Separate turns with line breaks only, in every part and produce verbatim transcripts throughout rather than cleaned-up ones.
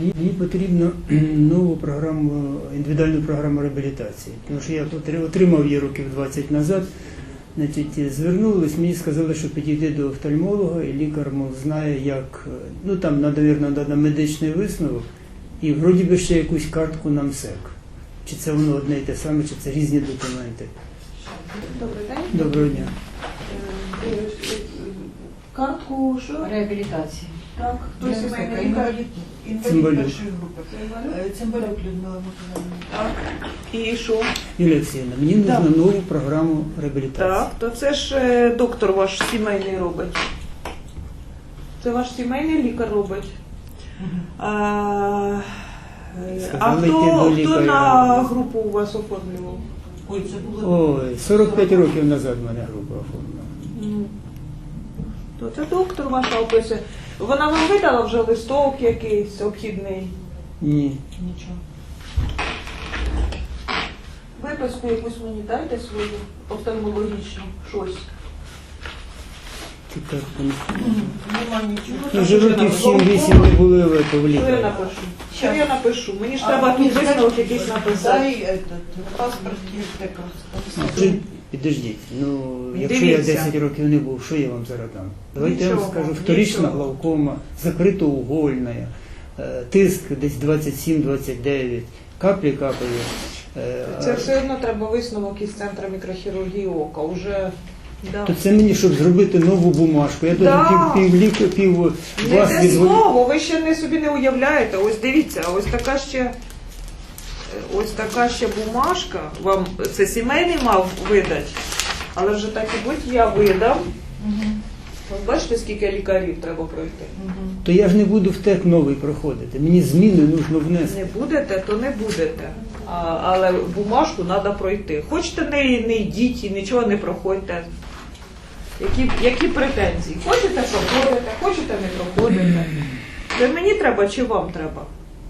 Мені потрібно нову програму, індивідуальну програму реабілітації, тому що я отримав її років двадцять назад. Значить, звернулись, мені сказали, що підійти до офтальмолога, і лікар, мов, знає, як, ну там, навірно, треба медичний висновок, і вроді би ще якусь картку на МСЕК. Чи це воно одне і те саме, чи це різні документи.
Добрий день.
Доброго дня.
Картку що?
Реабілітації.
Так, хто сімейний лікар?
Цимбалюк.
Цимбалюк Людмила Миколаївна. Так. І що?
Юлія Олексіївна, мені
Так.
потрібно нову програму реабілітації.
Так, то це ж е, доктор ваш сімейний робить. Це ваш сімейний лікар робить. А, а
Сказали, йти
хто,
до
хто
лікаря.
на групу у вас оформлював?
Ой, це було.
Ой, сорок п'ять років назад в мене група оформлена.
Ну, то це доктор ваша описує. Вона вам видала вже листок якийсь обхідний?
Ні.
Нічого. Виписку якусь мені дайте свою офтальмологічну, щось.
Чи так, там?
Нема нічого.
Ну, вже років сім-вісім не були в
Що я
лікарі.
напишу? Що я напишу? Мені ж треба тут висновок якийсь написати.
Дай этот, паспорт есть.
Вже, підождіть, ну, якщо я
Дивіться.
десять років не був, що я вам зараз дам? Давайте я вам
Нічого,
скажу, вторична
нічого.
глаукома, закритоугольна, е, тиск десь двадцять сім двадцять дев'ять, каплі капають. е,
Це
а-
все одно треба висновок із центру мікрохірургії ока. Уже, да.
То це мені, щоб зробити нову бумажку. Я
Да.
тут пів, пів, ліку, пів
Не
вас
те
відволік.
слово, ви ще не собі не уявляєте. Ось дивіться, ось така ще ось така ще бумажка. Вам це сімейний мав видати, але вже так і будь я видам. Ось бачите, скільки лікарів треба пройти.
То я ж не буду в ТЕК новий проходити. Мені зміни потрібно внести.
Не будете, то не будете. А, але бумажку треба пройти. Хочете, не, не йдіть і нічого не проходьте. Які, які претензії? Хочете проходите, хочете не проходите. Це мені треба чи вам треба?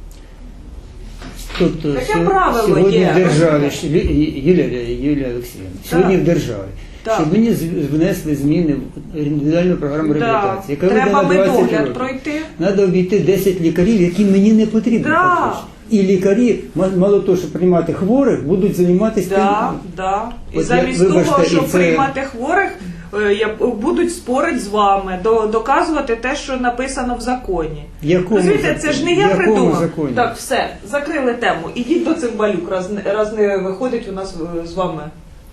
Тобто
Таке
сьо-
правило
сьогодні
є.
в державі, що- Лі- Юлія, Юлія Олексіївна, сьогодні в державі,
Так.
щоб мені з- внесли зміни в індивідуальну програму
Да.
реабілітації, яка
Треба
видана двадцять
медогляд
років.
пройти.
Треба обійти десять лікарів, які мені не потрібні.
Да.
фактично. І лікарі, ма- мало того, що приймати хворих, будуть займатися
Да,
тим.
да. І
От
замість
я- вибачте,
того,
і
щоб
це-
приймати хворих, е, я- будуть спорити з вами, до- доказувати те, що написано в законі.
Якому
Розумієте, це ж не я
законі? Якому
придумав.
законі?
Так, все, закрили тему. Ідіть до Цимбалюк, раз, не- раз не виходить у нас е, з вами.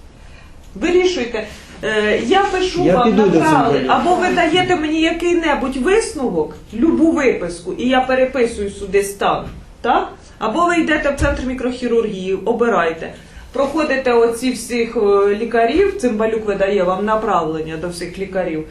Вирішуйте. Е, я пишу
Я
вам
піду до
направлення,
Цимбалюка.
або ви даєте мені який-небудь висновок, любу виписку, і я переписую сюди стан, так? Або ви йдете в центр мікрохірургії, обирайте. Проходите оці всіх е, лікарів, Цимбалюк видає вам направлення до всіх лікарів.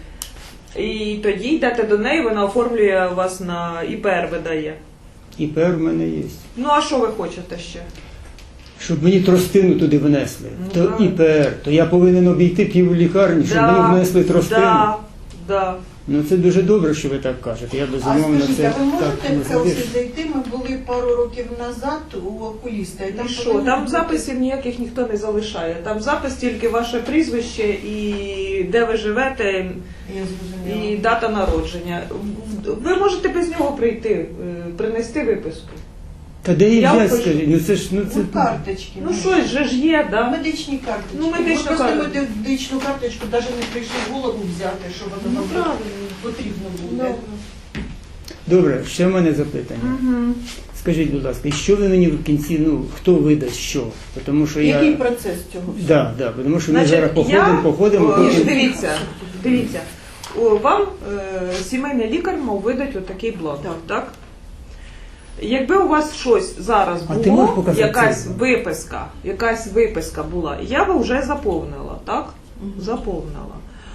І тоді йдете до неї, вона оформлює вас на І Пе Ер видає.
ІПР в мене є.
Ну а що ви хочете ще?
Щоб мені тростину туди внесли,
Ну,
то
да.
ІПР, то я повинен обійти пів лікарні, щоб мені внесли тростину.
Да, да.
Ну це дуже добре, що ви так кажете. Я
А
безумовно
скажіть,
це
а ви можете
так не
це
зробив.
ось зайти? Ми були пару років назад у окуліста. І
І
там
що?
повинні
Там
бути-
записів ніяких ніхто не залишає. Там запис тільки ваше прізвище і де ви живете,
Я зрозуміла.
і дата народження. Ви можете без нього прийти, е, принести виписку.
Та де її
Я
взяти,
впишу.
скажіть? Ну це ж, ну це...
Ну, карточки.
Ну щось же ж є, да?
Медичні карточки.
Ну, медичну
Ви просто
карточку.
медичну карточку навіть не прийшли в голову взяти, що воно
Ну,
вам
правильно.
потрібно
Ну,
буде.
Добре, ще в мене запитання.
Угу.
Скажіть, будь ласка, і що ви мені в кінці, ну, хто видасть що? Тому що я...
Який процес цього?
Да, да, тому що ми
Значить,
зараз походимо,
я-
походимо,
О,
потім...
Дивіться, дивіться. О, Вам е, сімейний лікар мав видати отакий бланк, так. так? Якби у вас щось зараз
А ти можеш
було,
показати
якась
цифру?
виписка, якась виписка була, я би вже заповнила, так? Заповнила.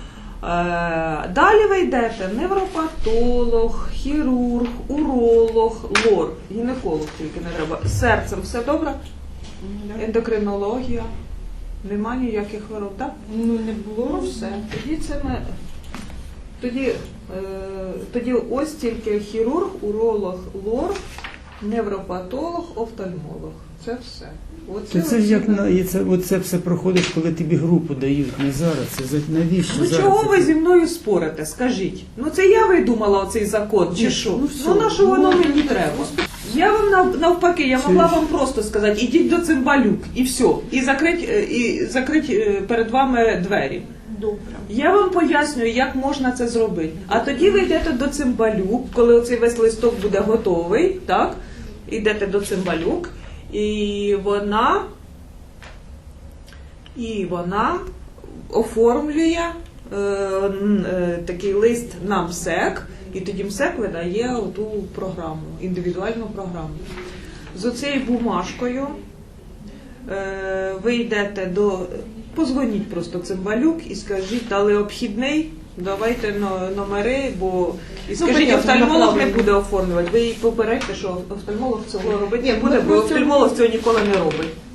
Е, далі ви йдете невропатолог, хірург, уролог, лор, гінеколог тільки не треба. З серцем все добре? Ендокринологія. Нема ніяких хвороб, так?
Ну, не було.
Ну все, тоді це ми. Тоді, е, тоді ось тільки хірург, уролог, лор, невропатолог, офтальмолог. Це все. Оце
То це ж як
оці-
на і це, оце все проходить, коли тобі групу дають, не зараз. Це за навіщо
Ну
зараз?
чого
це?
ви зі мною спорите? Скажіть. Ну це я видумала оцей закон, чи
Ні,
що?
ну, все.
Ну на що воно
Ну,
мені треба? навпаки, я
Чи
могла
ж-
вам просто сказати, ідіть до Цимбалюк, і все, і закрить, е, і закрить е, перед вами двері.
Добре.
Я вам пояснюю, як можна це зробити. А тоді ви йдете до Цимбалюк, коли оцей весь листок буде готовий, так? Йдете до Цимбалюк, і вона, і вона оформлює е, н- е, такий лист на МСЕК, і тоді МСЕК видає оту програму, індивідуальну програму. З оцією бумажкою е, ви йдете до... Позвоніть просто Цимбалюк і скажіть, дали обхідний, давайте но- номери, бо... І скажіть,
понятно,
офтальмолог не
направлення.
буде оформлювати. Ви їй попередьте, що офтальмолог цього робити
Ні,
не буде,
ми
бо
просто-
офтальмолог цього ніколи не робить.